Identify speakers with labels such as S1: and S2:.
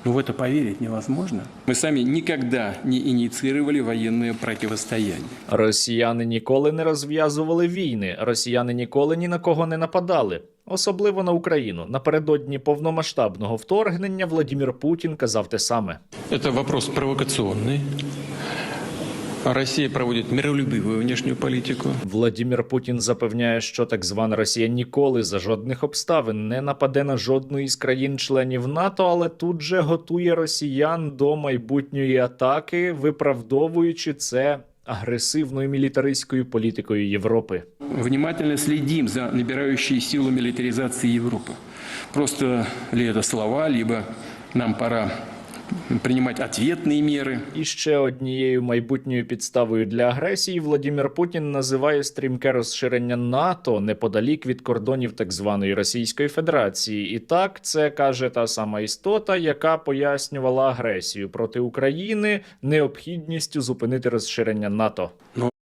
S1: Но в это поверить невозможно. Мы сами никогда не инициировали военное противостояние.
S2: Росіяни ніколи не розв'язували війни, росіяни ніколи ні на кого не нападали. Особливо на Україну. Напередодні повномасштабного вторгнення Владимир Путін казав те саме.
S1: Это вопрос провокационный. Россия проводит миролюбивую внешнюю политику.
S2: Владимир Путін запевняє, що так звана Росія ніколи за жодних обставин не нападе на жодну із країн-членів НАТО, але тут же готує росіян до майбутньої атаки, виправдовуючи це агресивною мілітаристською політикою Європи.
S1: Внимательно следим за набирающей силу милитаризации Европы. Просто ли это слова, либо нам пора принимать ответные меры.
S2: І ще однією майбутньою підставою для агресії Владимир Путін називає стрімке розширення НАТО неподалік від кордонів так званої Російської Федерації. І так, це, каже та сама істота, яка пояснювала агресію проти України необхідністю зупинити розширення НАТО.
S1: Но